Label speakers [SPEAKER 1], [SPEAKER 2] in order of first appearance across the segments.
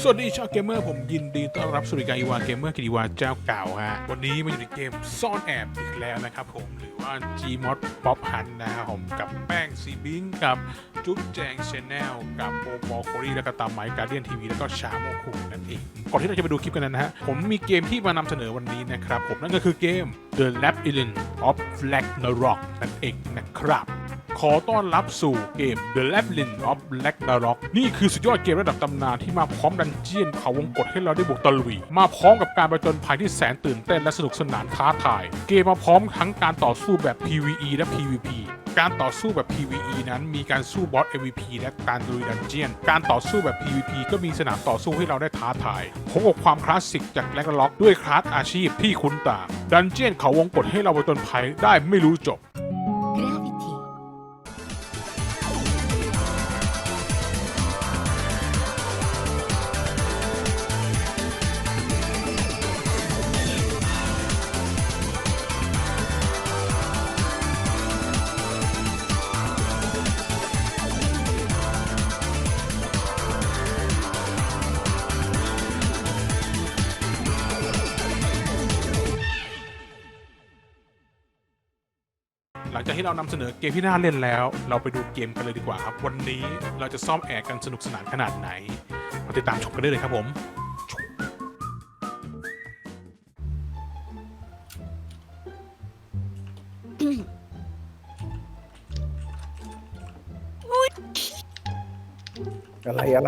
[SPEAKER 1] สวัสดีชาวเกมเมอร์ผมยินดีต้อนรับสู่รายการอีวาเกมเมอร์กิติวาเจ้าเก่าฮะวันนี้มาอยู่ในเกมซ่อนแอบอีกแล้วนะครับผมหรือว่า Gmod Pop Hunt นะครับผมกับแป้งซีบิงกับจุ๊บแจงชาแนลกับโอปอลโคลี่แล้วก็ตามไมค์การเดียนทีวีแล้วก็ชาโมคุนั่นเองก่อนที่เราจะไปดูคลิปกันนะฮะผมมีเกมที่มานำเสนอวันนี้นะครับผมนั่นก็คือเกม The Labyrinth of Ragnarok นั่นเองนะครับขอต้อนรับสู่เกม The Labyrinth of Ragnarok นี่คือสุดยอดเกมระดับตำนานที่มาพร้อมดันเจียนเขาวงกตให้เราได้บุกตะลุยมาพร้อมกับการประจนภัยที่แสนตื่นเต้นและสนุกสนานท้าทายเกมมาพร้อมทั้งการต่อสู้แบบ PVE และ PVP การต่อสู้แบบ PVE นั้นมีการสู้บอส MVP และการลุยดันเจียนการต่อสู้แบบ PVP ก็มีสนามต่อสู้ให้เราได้ท้าทายพบกับความคลาสสิกจากแร็กนาร็อกด้วยคลาสอาชีพที่คุ้นตาดันเจียนเขาวงกตให้เราประจนภัยได้ไม่รู้จบหลังจากที่เรานำเสนอเกมที่น่าเล่นแล้วเราไปดูเกมกันเลยดีกว่าครับวันนี้เราจะซ่อมแอร์กันสนุกสนานขนาดไหนมาติดตามชมกันได้เลยครับผม
[SPEAKER 2] อะไร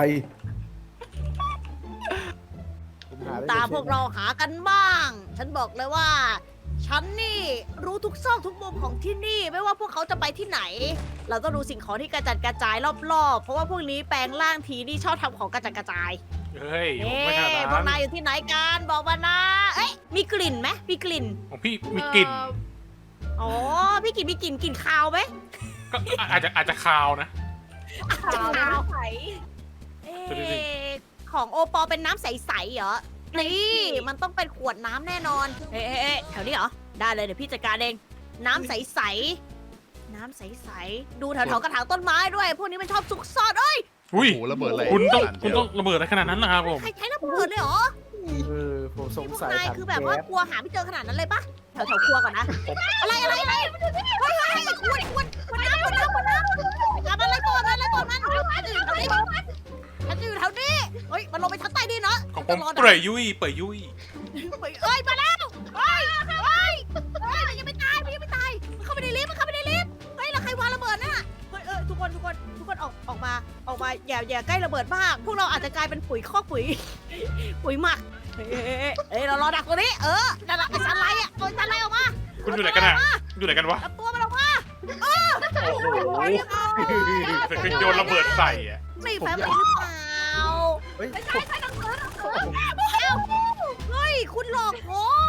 [SPEAKER 3] ตามพวกเราหากันบ้าง ฉันบอกเลยว่า ฉันนี่รู้ทุกซอกทุกมุมของที่นี่ไม่ว่าพวกเขาจะไปที่ไหน เราต้องดูสิ่งของที่กระจัดกระจายรอบๆเพราะว่าพวกนี้แปลงร่างทีนี่ชอบทำของกระจัดกระจาย
[SPEAKER 1] เฮ้ย
[SPEAKER 3] เอ๊
[SPEAKER 1] ไม่ขนาดนั้
[SPEAKER 3] ะพวกนาย
[SPEAKER 1] น
[SPEAKER 3] อยู่ที่ไหนกันบอกมานะเอ๊ะมีกลิ่นไหมมีกลิ่น
[SPEAKER 1] ของพี่มีกลิ่น
[SPEAKER 3] อ๋อพี่กินมีกลิ่นคาวไหม
[SPEAKER 1] ก็อาจจะคาวนะ
[SPEAKER 3] คาวใส
[SPEAKER 1] ดูดิ
[SPEAKER 3] ของโอปอเป็นน้ำใสๆเหรอนี่มันต้องเป็นขวดน้ำแน่นอนเอ๊ะแถวนี้เหรอได้เลยเดี๋ยวพี่จัดการเองน้ำใสๆน้ำใสๆดูแถวๆกระถางต้นไม้ด้วย พวกนี้มันชอบซุกซ่อนเอ้ย
[SPEAKER 1] อุ้ย
[SPEAKER 4] โอ้โหระเบิดอะไร
[SPEAKER 1] คุณต้องระเบิดอะไรขนาดนั้นนะครับผม
[SPEAKER 3] ใครใช้ระเบิดเลยเหรอ
[SPEAKER 2] ผมสง
[SPEAKER 3] พวก
[SPEAKER 2] สัย
[SPEAKER 3] นายคือแบบว่ากลัวหาไม่เจอขนาดนั้นเลยปะแถวครัวก่อนนะอะไรเฮ้ยขวดน้ำทำอะไรก่อนมันฉันอยู่แถวนี้เฮ้ยมันลงไปชั้นใต้ดินเนาะ
[SPEAKER 1] ของผมเปื่อยยุ่ยเปื่อยยุ่ย
[SPEAKER 3] เอ้ยมาแล้วเฮ้ยมันยังไม่ตายมันเข้าไปในลิฟต์เฮ้ยแล้วใครวางระเบิดน่ะเฮ้ยทุกคนออกมาอย่าใกล้ระเบิดมากพวกเราอาจจะกลายเป็นปุ๋ยคอกปุ๋ยหมักเฮ้ยเรารอดักตัวนี้นั่นแหละไอ้สันไลอ่ะตัวสันไลออกมา
[SPEAKER 1] คุณอยู่ไหนกันอะอยู่ไหนกันวะ
[SPEAKER 3] จับตัวมันออกมา
[SPEAKER 1] โอ้โหเป็นโยนระเบิดใส่อะ
[SPEAKER 3] ไม่แฟมหรือเปล่า ไม่ใช่หนังสือเฮ้ยคุณหลอกผม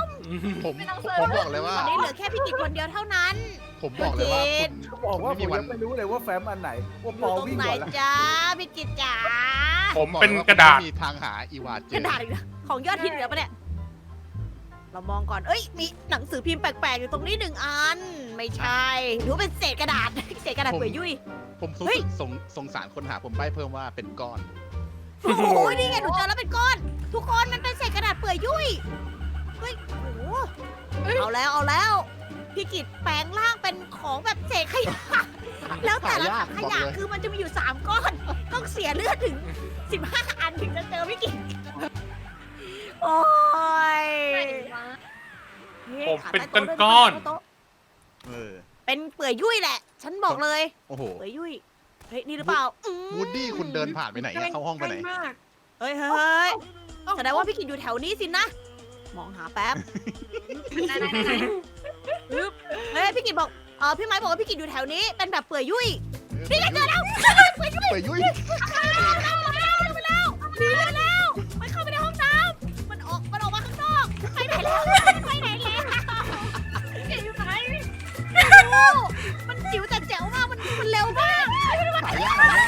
[SPEAKER 4] ผมบอกเลยว่า
[SPEAKER 3] ตอนนี้เหลือแค่พี่กิจคนเดียวเท่านั้น
[SPEAKER 4] ผมบอกเลยว่าคุณ
[SPEAKER 2] เขาบอกว่าผมยังไม่รู้เลยว่าแฟ้มอันไหนว่า
[SPEAKER 3] อ
[SPEAKER 2] ปอยู่
[SPEAKER 3] ตรง
[SPEAKER 2] วิ่ง
[SPEAKER 3] ไหน
[SPEAKER 2] ก่อนละ
[SPEAKER 3] จ้าพี่กิจจ๋า
[SPEAKER 1] ผมเป็นกระดาษ
[SPEAKER 4] ไม่มีทางหาอีวาเจ
[SPEAKER 3] กระดาษอีกนะของยอดฮิตเหลือปะเนี่ยเรามองก่อนเอ้ยมีหนังสือพิมพ์แปลกๆอยู่ตรงนี้1 อันไม่ใช่หรือเป็นเศษกระดาษเศษกระดาษเปื่อยยุ่ย
[SPEAKER 4] ผมสงสารคนหาผมใบ้เพิ่มว่าเป็นก้อน
[SPEAKER 3] โอ้โหนี่ไงหนูเจอแล้วเป็นก้อน ทุกคนมันเป็นเศษกระดาษเปื่อยยุ่ยเฮ้ยโอ้โหเอาแล้วพี่กิจแปลงร่างเป็นของแบบเศษขยะแล้วแต่ละถังขยะคือมันจะมีอยู่3 ก้อน ต้องเสียเลือดถึง15 อันถึงจะเจอพี่กิจโอ้ย
[SPEAKER 1] ผมเป็นก้อน
[SPEAKER 4] เออ
[SPEAKER 3] เป็นเปื่อยยุ่ยแหละ ฉันบอกเลย
[SPEAKER 4] โอ้โห
[SPEAKER 3] เปื่อยยุ่ยเฮ้ยนี่หรือเปล่า
[SPEAKER 4] วูดดี้คุณเดินผ่านไปไหนอะเข้าห้องไปไหน
[SPEAKER 3] เฮ้ยแสดงว่าพี่กิจอยู่แถวนี้สินะ มองหาแป๊บเฮ้ยพี่กิจบอกพี่ไม้บอกว่าพี่กิจอยู่แถวนี้ เป็นแบบเปื่อยยุ่ยนี่ไงเจอแล้วเปื่อยยุ่ย
[SPEAKER 4] เปิดยุ่ย
[SPEAKER 3] หนีแล้วมันเข้าไปในห้องน้ำมันออกมาข้างนอกไปไหนแล้วอยู่ไหนไม่รู้มันจิ๋วแต่แจ๋วมากมันเร็วมาก
[SPEAKER 4] หายาก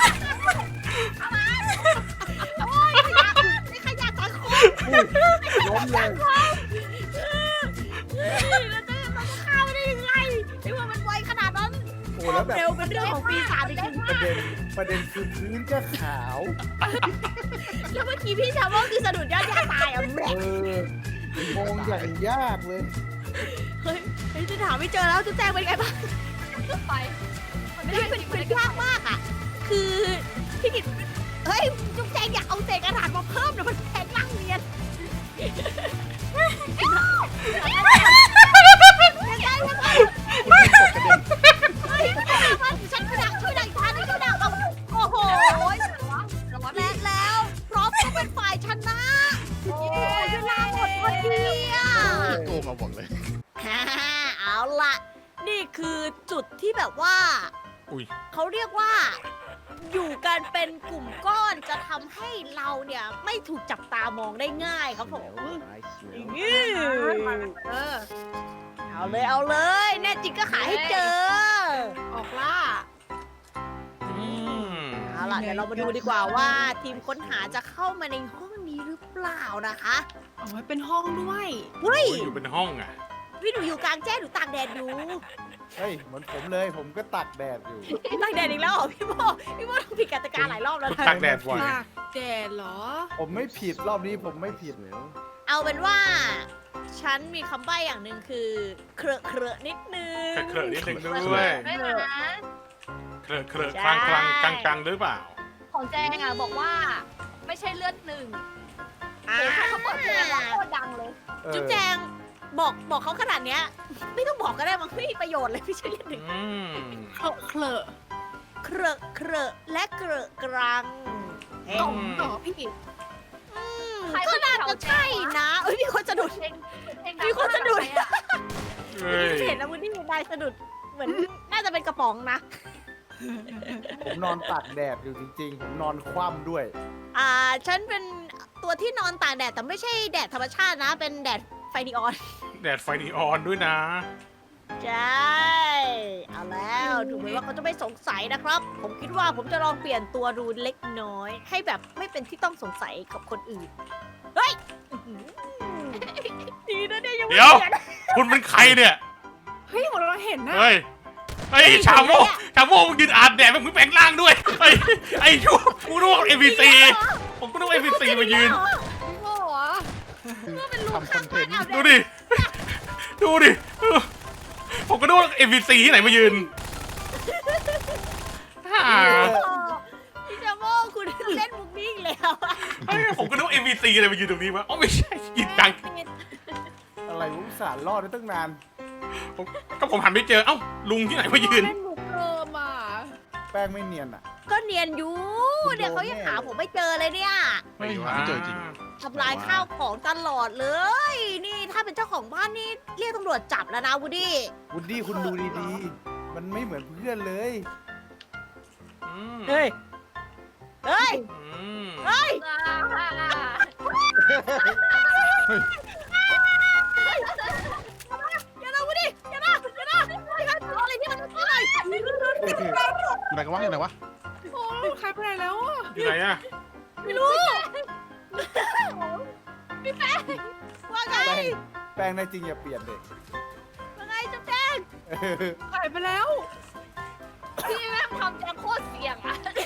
[SPEAKER 3] โอ้ยขยะสังคม
[SPEAKER 2] ล้มเลย
[SPEAKER 3] แล้วจะฆ่าไม่ได้ยังไงไม่ว่ามันไวขนาดนั้น
[SPEAKER 2] โอ้อ้แล้วแบบ
[SPEAKER 3] เร็วเป็นเรื่องของปีศาจจริง
[SPEAKER 2] ประเด็นคือพื้นก็ขาว
[SPEAKER 3] ๆแล้วเมื่อกี้พี่ชาวว่าคือสะดุดยอดหญ้าตายอ่ะแม่
[SPEAKER 2] มองอย่างยากเลย
[SPEAKER 3] เฮ้ยจะถามไม่เจอแล้วจุ๊บแจงเป็นไงบ้าง
[SPEAKER 5] ไปมันไม่
[SPEAKER 3] นี่
[SPEAKER 5] ได้
[SPEAKER 3] เป็น
[SPEAKER 5] จริง
[SPEAKER 3] เป็นยากมากอ่ะ คือพี่กิตเฮ้ยจุ๊บแจงอย่าเอาเศษกระดาษมาเพิ่มเดี๋ยวมันแทงร่างเนียนยังไงเฮ้ยฉันช่วยดักอีกทางนึงช่วยดักเอาโอ้โห และแล้วพร้อมก็เป็นฝ่ายชนะโอ้ยเวลาหมดพอดีอ่ะ
[SPEAKER 4] โกงมาหมดเลย
[SPEAKER 3] ฮ่าเอาล่ะ นี่คือจุดที่แบบว่า
[SPEAKER 1] อุ้ย
[SPEAKER 3] เขาเรียกว่า อยู่กันเป็นกลุ่มก้อนจะทำให้เราเนี่ย ไม่ถูกจับตามองได้ง่ายครับผมนี่
[SPEAKER 5] เออ
[SPEAKER 3] เอาเลย แน่จริงก็ขายให้เจอ
[SPEAKER 5] ออกล่า
[SPEAKER 3] เอาล่ะ เดี๋ยวเรามาดูดีกว่าว่าทีมค้นหาจะเข้ามาในห้องนี้หรือเปล่านะคะ
[SPEAKER 5] เอาไว้เป็นห้องด้วย
[SPEAKER 3] เฮ้ย
[SPEAKER 1] โอ้ยอยู่เป็นห้องอ่ะ
[SPEAKER 3] พี่หนูอยู่กลางแจ้งหนูตากแดดอยู่
[SPEAKER 2] เฮ้ยเหมือนผมเลยผมก็ตักแดดอยู่
[SPEAKER 3] ตากแดดอีกแล้วเหรอพี่โมต้องผิดกติกาหลายรอบแล้ว
[SPEAKER 1] คุณ
[SPEAKER 3] นะ
[SPEAKER 1] ตากแดดบ่อย
[SPEAKER 5] ตากแดดเหรอ
[SPEAKER 2] ผมไม่ผิดรอบนี้ผมไม่ผิด
[SPEAKER 3] เอาเป็นว่า ฉันมีคำใบ้อย่างหนึ่งคือ เครอะเครอะนิดนึง
[SPEAKER 1] เคลอะๆนิดนึงด้วย
[SPEAKER 5] ไม่นะ
[SPEAKER 1] เคลอะ
[SPEAKER 3] ใช่
[SPEAKER 1] คลางกลางหรือเปล่า
[SPEAKER 5] ของแจงอ่ะบอกว่า ไม่ใช่เลือดหนึ่ง
[SPEAKER 3] อ่า
[SPEAKER 5] โอ้ถ้าเขาเปิดเพลงแล้วโคตรดังเลย
[SPEAKER 3] จุ๊บแจงบอกเขาขนาดเนี้ย ไม่ต้องบอกก็ได้มันไม่มีประโยชน์เลยพี่เชอรี่หนึ่ง
[SPEAKER 1] อืม
[SPEAKER 5] เคลอะ
[SPEAKER 3] เครอะเครอะและเกรอะกรัง
[SPEAKER 5] กล่องต่อพี่กิต ใคร
[SPEAKER 3] ก็น่าจะใช่นะเอ้ยมีคนสะดุด
[SPEAKER 5] เพลงเพลง
[SPEAKER 3] มีคนสะดุด
[SPEAKER 5] ดังมากอะ
[SPEAKER 1] เฮ้ย
[SPEAKER 3] เห็นแล้ววันนี้นายสะดุดเหมือนน่าจะเป็นกระป๋องนะ
[SPEAKER 2] ผมนอนตากแดดอยู่จริงๆ ผมนอนคว่ำด้วย
[SPEAKER 3] ฉันเป็นตัวที่นอนตากแดดแต่ไม่ใช่แดดธรรมชาตินะ เป็นแดดไฟนีออน
[SPEAKER 1] แดดไฟนีออนด้วยนะ
[SPEAKER 3] ใช่ เอาแล้วดูเหมือนว่าเขาจะไม่สงสัยนะครับ ผมคิดว่าผมจะลองเปลี่ยนตัวดูเล็กน้อย ให้แบบไม่เป็นที่ต้องสงสัยกับคนอื่น เฮ้ยอื้อหือดีนะเนี่ยยังไม่
[SPEAKER 1] เดี๋ยว
[SPEAKER 3] เปลี่ยน
[SPEAKER 1] คุณเป็นใครเนี่ย
[SPEAKER 5] เฮ้ยของเราเห็นนะ
[SPEAKER 1] เฮ้ยชาโมมึงยืนอาบแดดมึงแปลงร่างด้วยไอ้ชั่วกูนึกว่า NPC ผมก็นึกว่า NPC มายืน
[SPEAKER 5] พี่โม่เหรอ
[SPEAKER 4] ทำคอนเทนต์
[SPEAKER 1] ดูดิ ดูดิ ผมก็นึกว่า NPC ที่ไหนมายืน
[SPEAKER 3] พี่จาโมคุณเล่นมุกนี้อีกแล้วอะ
[SPEAKER 1] ผมก็นึกว่า NPC อะไรมายืนตรงนี้วะอ๋อไม่ใช่ยืนกลาง
[SPEAKER 2] อะไรวะอุตส่าห์รอดได้ตั้งนาน
[SPEAKER 1] ก็ผมหันไปเจอ เอ้า ลุงที่ไหนมายืน
[SPEAKER 5] เล่นมุกเดิมอ่ะ
[SPEAKER 2] แป้งไม่เนียนอ่ะ
[SPEAKER 3] ก็เนียนอยู่เนี่ยเขายังหาผมไม่เจอเลยเนี่ย
[SPEAKER 4] ไม่หาไม่เจอจริง
[SPEAKER 3] ทำลายข้าวของตลอดเลย นี่ถ้าเป็นเจ้าของบ้านนี่เรียกตำรวจจับแล้วนะวูดดี้
[SPEAKER 2] วุดดี้คุณดูดีๆ มันไม่เหมือนเพื่อนเลย
[SPEAKER 3] เฮ้ย เฮ้ย เฮ้ย อย่านะวูดดี้อย่านะอะไรที่มันอะไร
[SPEAKER 4] อยู่ไหนกันวะอยู่ไหนวะ
[SPEAKER 5] โอ้ใครไปไหนแล้วอ่ะ
[SPEAKER 1] อยู่ไหนอะ
[SPEAKER 3] ไม่รู้ว่าไง
[SPEAKER 2] แป้งในจริงอย่าเปลี่ยนเด็ก
[SPEAKER 3] ว่าไงจุ๊บแจ้ง
[SPEAKER 5] หายไปแล้ว
[SPEAKER 3] พี่แม่งทำแจงโคตรเสี่ยงอะจุ๊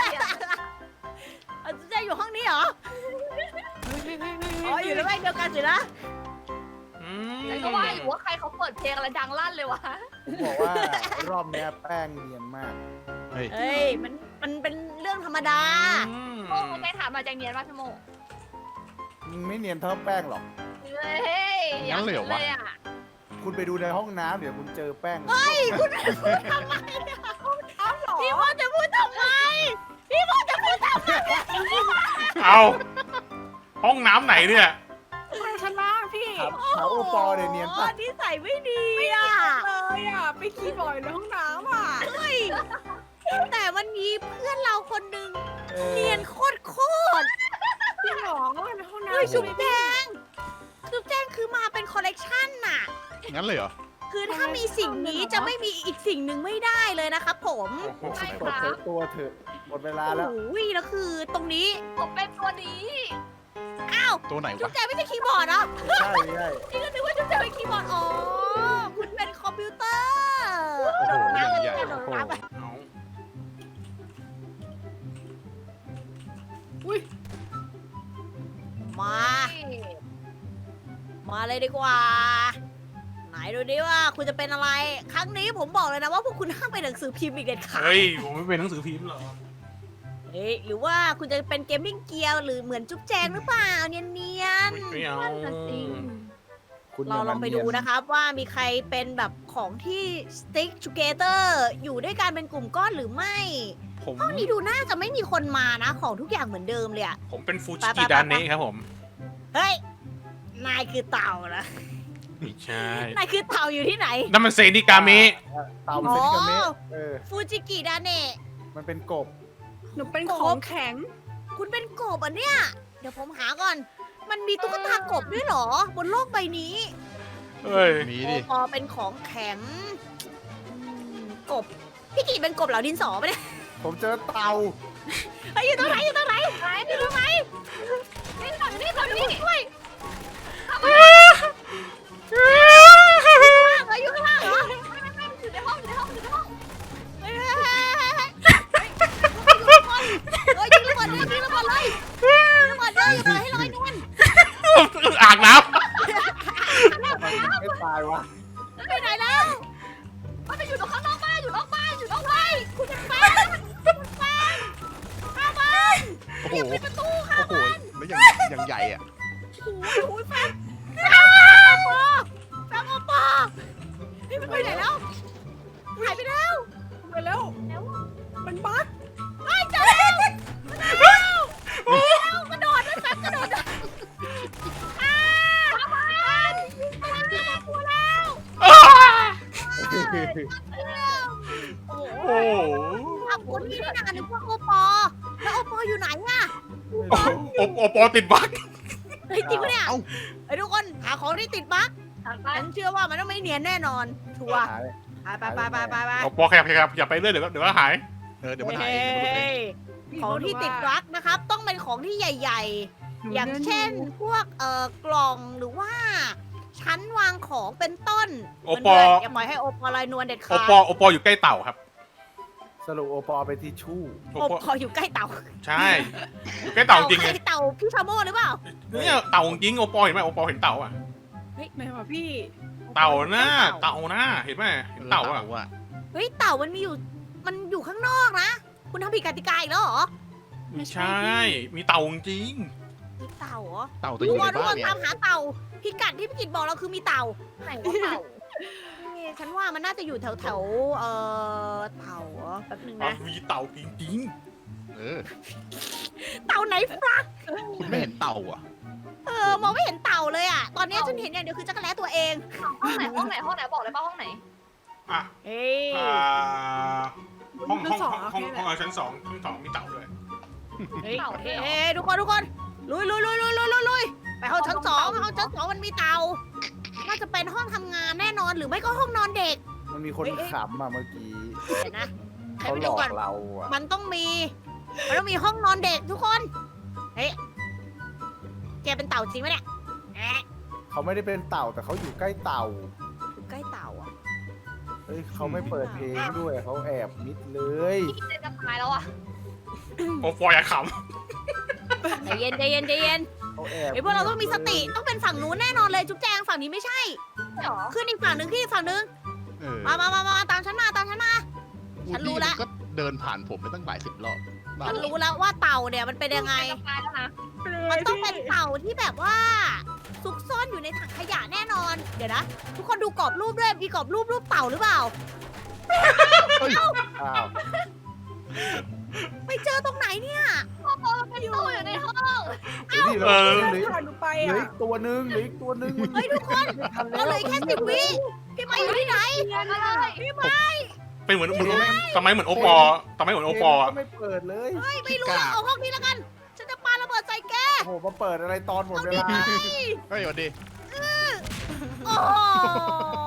[SPEAKER 3] บแจ้งอยู่ห้องนี้เหรอ อ๋ออยู่ในบ้านเดียวกันสินะ
[SPEAKER 5] แต่ก็ว่าอยู่ว่าใครเขาเปิดเพลงอะไรดังลั่นเลยวะ
[SPEAKER 2] ผมบอกว่ารอบเนี้ยแป้งเนียนมาก
[SPEAKER 4] เฮ้ย
[SPEAKER 3] เฮ้ย มันเป็นเรื่องธรรมดา
[SPEAKER 5] โม่ไม่ถามมาจากเนียนป่ะพี่โม
[SPEAKER 2] มึงไม่เนียนเท่าแป้งหรอก
[SPEAKER 5] เฮ้ย
[SPEAKER 4] งั้นเลยเหรอวะ
[SPEAKER 5] เลยอ่ะ
[SPEAKER 2] คุณไปดูในห้องน้ำเดี๋ยวคุณเจอแป้ง
[SPEAKER 3] เฮ้ย คุณพูดทำไมอะพี่ว่าจะพูดทำไม พี่ว่าจะพูดทำไม
[SPEAKER 1] เอาห้องน้ำไหนเนี่ย
[SPEAKER 5] มาชั้นล่างพี่
[SPEAKER 2] ถามโอปอเนี่ยเนียนปะ
[SPEAKER 3] นิสัยไม่ดีอ่ะ
[SPEAKER 5] เลยอ่ะ ไปขี้บ่อยในห้องน้ำอ่ะ
[SPEAKER 3] เฮ้ย แต่มันมีเพื่อนเราคนหนึ่ง
[SPEAKER 2] เออ
[SPEAKER 3] เนียนโคตร
[SPEAKER 5] พี่หรอในห้องน้ำ
[SPEAKER 3] เฮ้ยจุ๊บแจงจุ๊บแจงคือมาเป็นคอลเลกชันน่ะ
[SPEAKER 4] งั้นเลยเหรอ
[SPEAKER 3] คือถ้ามีสิ่งนี้จะไม่มีอีกสิ่งหนึ่งไม่ได้เลยนะครับผม
[SPEAKER 5] ใช่
[SPEAKER 2] เปิด
[SPEAKER 5] ค
[SPEAKER 2] เผ
[SPEAKER 5] รั
[SPEAKER 2] ย
[SPEAKER 5] บ
[SPEAKER 2] ตัวเถอะหมดเวลา
[SPEAKER 3] โอ้
[SPEAKER 2] แล้ว
[SPEAKER 3] โหแล้วคือตรงนี้
[SPEAKER 5] ผมเป็นตัวนี้
[SPEAKER 3] อ้าว
[SPEAKER 4] ตัวไหน
[SPEAKER 3] จุ๊
[SPEAKER 4] วะ
[SPEAKER 3] บแจงไม่ใช่คีย์บอร์ดเหรอ
[SPEAKER 2] ใช่ใช่
[SPEAKER 3] นี่ก็นึกว่าจุ๊บแจงเป็นคีย์บอร์ด อ๋อ คุณเป็นคอมพิวเตอร์
[SPEAKER 4] โอ้โหอย่างใหญ่
[SPEAKER 3] โดดน้ำไป
[SPEAKER 1] เอา
[SPEAKER 3] มา มาเลยดีกว่า ไหนดูดิว่าคุณจะเป็นอะไร ครั้งนี้ผมบอกเลยนะว่าพวกคุณห้ามไปหนังสือพิมพ์อีกเด็ดขาด
[SPEAKER 1] เฮ้ยผมไม่เป็นหนังสือพิมพ์หรอก
[SPEAKER 3] เฮ้ยหรือว่าคุณจะเป็นเกมมิ่งเกียร์หรือเหมือนจุ๊บแจงหรือเปล่าเนียน
[SPEAKER 1] ไม่เอา
[SPEAKER 2] คุณ
[SPEAKER 3] ๆเราลองไปดูนะครับว่ามีใครเป็นแบบของที่ stick together อยู่ด้วยกันเป็นกลุ่มก้อนหรือไม่
[SPEAKER 1] ผม
[SPEAKER 3] ห้องนี้ดูน่าจะไม่มีคนมานะ ของทุกอย่างเหมือนเดิมเลยอะ
[SPEAKER 1] ผมเป็นฟูจิกิดาเนะครับผม
[SPEAKER 3] เฮ้ย นายคือเต่านะ
[SPEAKER 1] ไม่ใช่
[SPEAKER 3] นายคือเต่าอยู่ที่ไหน
[SPEAKER 1] นั่นมันเซนิกามิ
[SPEAKER 2] เต่าเซนกาเมะอ
[SPEAKER 3] ฟูจิกิดาเนะ
[SPEAKER 2] มันเป็นกบ
[SPEAKER 6] หนูเป็นของแข็ง
[SPEAKER 3] คุณเป็นกบอ่ะเนี่ย เดี๋ยวผมหาก่อน มันมีตุ๊กตากบด้วยเหรอ บนโลกใบนี้
[SPEAKER 1] เฮ้ย
[SPEAKER 4] มี
[SPEAKER 3] โอ
[SPEAKER 4] ดิ
[SPEAKER 3] ปอเป็นของแข็งกบ พี่กีเป็นกบเหลาดินสอปะเนี่ย
[SPEAKER 2] ผมเจอเต่า
[SPEAKER 3] เฮ้ยอยู่ตรงไหนอยู่ตรงไหนอยู่ตรงไหน
[SPEAKER 5] นี่ฝั่งนี้ฝั่งนี้
[SPEAKER 3] ช่วยอยู่ข้างล่างเหรอ
[SPEAKER 5] อยู่ในห้องอยู่ในห้องอยู่ในห้อง
[SPEAKER 3] เฮ้ยยิงระเบิดเลยยิงระเบิดเลยยิงระเบิดเลยอย่าปล่อยให้ลอยนวล
[SPEAKER 1] อ่างน้
[SPEAKER 2] ไม่ตายวะ
[SPEAKER 3] ไปไหนแล้ว
[SPEAKER 5] มันไปอยู่ตรงข้างนอกบ้านอยู่นอกบ้านอยู่นอกบ้าน
[SPEAKER 3] คุณเป็นแฟนคุณแฟนข้าบ้าน
[SPEAKER 4] โอ้โห
[SPEAKER 3] ปิดประตูค่ะ
[SPEAKER 4] โอ้โหแล้วอย่างใหญ่อะ
[SPEAKER 3] โอ้ยแฟนแฟนโอปอเฮ้ยมันไปไหนแล้วหายไปแล้ว
[SPEAKER 6] ไปแล้ว มันบั๊ก
[SPEAKER 3] ไอ้เจอแล้วกระโดดนะแฟนกระโดดอ้าวข้าบ้านกลัวแล้ว
[SPEAKER 1] ำ
[SPEAKER 3] โอ้โห
[SPEAKER 1] โอ้โห
[SPEAKER 3] ขอบคุณที่ได้นานนึกว่าโอปอแล้วโอปออยู่ไหนอะ
[SPEAKER 1] โอปอติดบั๊ก
[SPEAKER 3] เฮ้ยจริงปะเนี่ย
[SPEAKER 4] เอ้า
[SPEAKER 3] ไอ้ทุกคนหาของที่ติดบั๊ก
[SPEAKER 5] ทางไป
[SPEAKER 3] ฉันเชื่อว่ามันต้องไม่เนียนแน่นอน ชัวร์
[SPEAKER 2] หาย
[SPEAKER 3] ไปไป
[SPEAKER 1] โอปอขยับอย่าไปเรื่อยเดี๋ยวก็หาย
[SPEAKER 4] เดี๋ยวมันหายเองเดี๋ยวมันหายเอง
[SPEAKER 3] ของที่ติดบั๊กนะครับ ต้องเป็นของที่ใหญ่
[SPEAKER 6] หนู
[SPEAKER 3] ๆ อย่างเช่น พวกกล่องหรือว่า ชั้นวางของเป็นต้น
[SPEAKER 1] โอปอ
[SPEAKER 3] เพื่นๆอย่าปล่อยให้โอปอลอยนวลเด็ด
[SPEAKER 1] โอ
[SPEAKER 3] ขาด
[SPEAKER 1] ปออยู่ใกล้เต่าครับ
[SPEAKER 2] สรุปโอปอเป็นทิชชู่
[SPEAKER 1] โอ
[SPEAKER 3] โอ
[SPEAKER 1] ปอ
[SPEAKER 3] ปออยู่ใกล้เต่า
[SPEAKER 1] ใช่ อยู่ใกล้เต่าจริง
[SPEAKER 3] ใค
[SPEAKER 1] ไง
[SPEAKER 3] เต่าพี่ชาโม่หรือเปล่า
[SPEAKER 1] เนี่ยเต่าจริงโอปอเห็นไหมโอปอเห็นเต่าอ่ะ
[SPEAKER 6] ไหนวะพี่
[SPEAKER 1] เต่าหน้าเต่าหน้าเห็นไหมเห็นเต่าอ่ะ
[SPEAKER 4] อะ
[SPEAKER 3] เฮ้ยเต่ามันอยู่ข้างนอกนะ คุณทำผิดกติกาอีกแล้วเหรอ
[SPEAKER 1] ไม่ใช่ มีเต่าจริง
[SPEAKER 3] มีเต่าเหรอ
[SPEAKER 4] เต่าตัวอ
[SPEAKER 3] ทุก
[SPEAKER 4] ยู่
[SPEAKER 3] ค
[SPEAKER 4] ใน
[SPEAKER 3] นทุก
[SPEAKER 4] บ้า
[SPEAKER 3] คน น
[SPEAKER 4] เนี่ย
[SPEAKER 3] ตามหาเต่าพิกัดที่พี่กิจบอกเราคือมีเต่า
[SPEAKER 5] ไหนว่าเต่า
[SPEAKER 3] ฉันว่ามันน่าจะอยู่แถวเต่าเหรอแป๊บนึง
[SPEAKER 1] อ่ะ
[SPEAKER 3] นะ
[SPEAKER 1] มีเต่าจริง
[SPEAKER 4] เออ
[SPEAKER 3] เต่าไหนฟลัก
[SPEAKER 4] คุณไม่เห็นเต่าอ่ะ
[SPEAKER 3] มองไม่เห็นเต่าเลยอ่ะ ตอนนี้ฉันเห็นอย่างเดียวคือจักรแล้ตัวเอง
[SPEAKER 5] ห้องไหนห้องไหนห้องไหนบอกเลยป่ะห้องไหน
[SPEAKER 1] ๆอ่ะ
[SPEAKER 3] เฮ้ย
[SPEAKER 1] ห้อง
[SPEAKER 6] ชั้นสอง
[SPEAKER 1] ชั้นสองมีเต่าด้วย
[SPEAKER 3] เฮ้ย
[SPEAKER 5] เต่าด้วยเหรอ
[SPEAKER 3] เฮ้ยทุกคนลุยไปห้องชั้นสองมันมีเต่าน่าจะเป็นห้องทำงานแน่นอนหรือไม่ก็ห้องนอนเด็ก
[SPEAKER 2] มันมีคนขำอ่ะเมื่อกี้
[SPEAKER 3] เห็นนะให้
[SPEAKER 2] เขา
[SPEAKER 3] ไป
[SPEAKER 2] หล
[SPEAKER 3] ดู
[SPEAKER 2] อก
[SPEAKER 3] ก่อน
[SPEAKER 2] เราอ่ะ
[SPEAKER 3] มันต้องมีห้องนอนเด็กทุกคน เฮ้ย แกเป็นเต่าจริงไหมเนี่ยแอะ
[SPEAKER 2] เขาไม่ได้เป็นเต่าแต่เขาอยู่ใกล้เต่า
[SPEAKER 3] อยู่ใกล้เต่าอ่ะ
[SPEAKER 2] เฮ้ยเขาไม่เปิดเพลงด้วยเขาแอบมิดเลย
[SPEAKER 5] พี่จะตายแล้วอ่ะ
[SPEAKER 1] โอปออย่าข
[SPEAKER 3] ใจเย็น
[SPEAKER 2] เขาแอบ
[SPEAKER 3] เฮ้ยพวกเราต้องมีสติ ต้องเป็นฝั่งนู้นแน่นอนเลย จุ๊บแจงฝั่งนี้ไม่ใช่
[SPEAKER 5] เหรอ
[SPEAKER 3] ขึ้นอีกฝั่งหนึ่งขึ้นอีกฝั่งหนึ่ง
[SPEAKER 4] เออ
[SPEAKER 3] มาตามฉันมา ฉันรู้ละ
[SPEAKER 4] มันก็เดินผ่านผมไปตั้งหลายสิบรอบบ้า
[SPEAKER 3] ฉันรู้แล้วว่าเต่าเนี่ยมันเป็นยังไง
[SPEAKER 5] จะตายแล้วนะ
[SPEAKER 3] มันต้องเป็นเต่าที่แบบว่า ซุกซ่อนอยู่ในถังขยะแน่นอน เดี๋ยวนะ ทุกคนดูกรอบรูปด้วย มีกรอบรูปเต่าหรือเปล่า
[SPEAKER 2] อ้าว
[SPEAKER 3] ไปเจอตรงไหนเนี่ย
[SPEAKER 5] เป็นตู้อยู่ในห้อง
[SPEAKER 2] เฮ้ยนี่เราเหลือ
[SPEAKER 6] ผ่านหนูไป
[SPEAKER 2] เหลือ
[SPEAKER 6] อ่ะ
[SPEAKER 2] อีกตัวหนึงเหลืออีกตัวหนึง
[SPEAKER 3] เฮ้ยทุกคน
[SPEAKER 2] ไม่ทัน
[SPEAKER 3] เราเหลือแค่10 วิพี่ไม้อยู่ที่ไหน
[SPEAKER 5] อะไร
[SPEAKER 1] ำเป็นเหมือนทำไมเหมือนโอปอทำไมเหมือนโอปอ
[SPEAKER 2] ก็ไม่เปิดเลย
[SPEAKER 3] ไม่รู้ละเอาห้องนี้แล้วกัน ฉันจะปาระเบิดใส่แก
[SPEAKER 2] โอ้โหมาเปิดอะไรตอนหมดเวลา
[SPEAKER 4] เฮ้ยสวัสดี
[SPEAKER 3] โอ้โห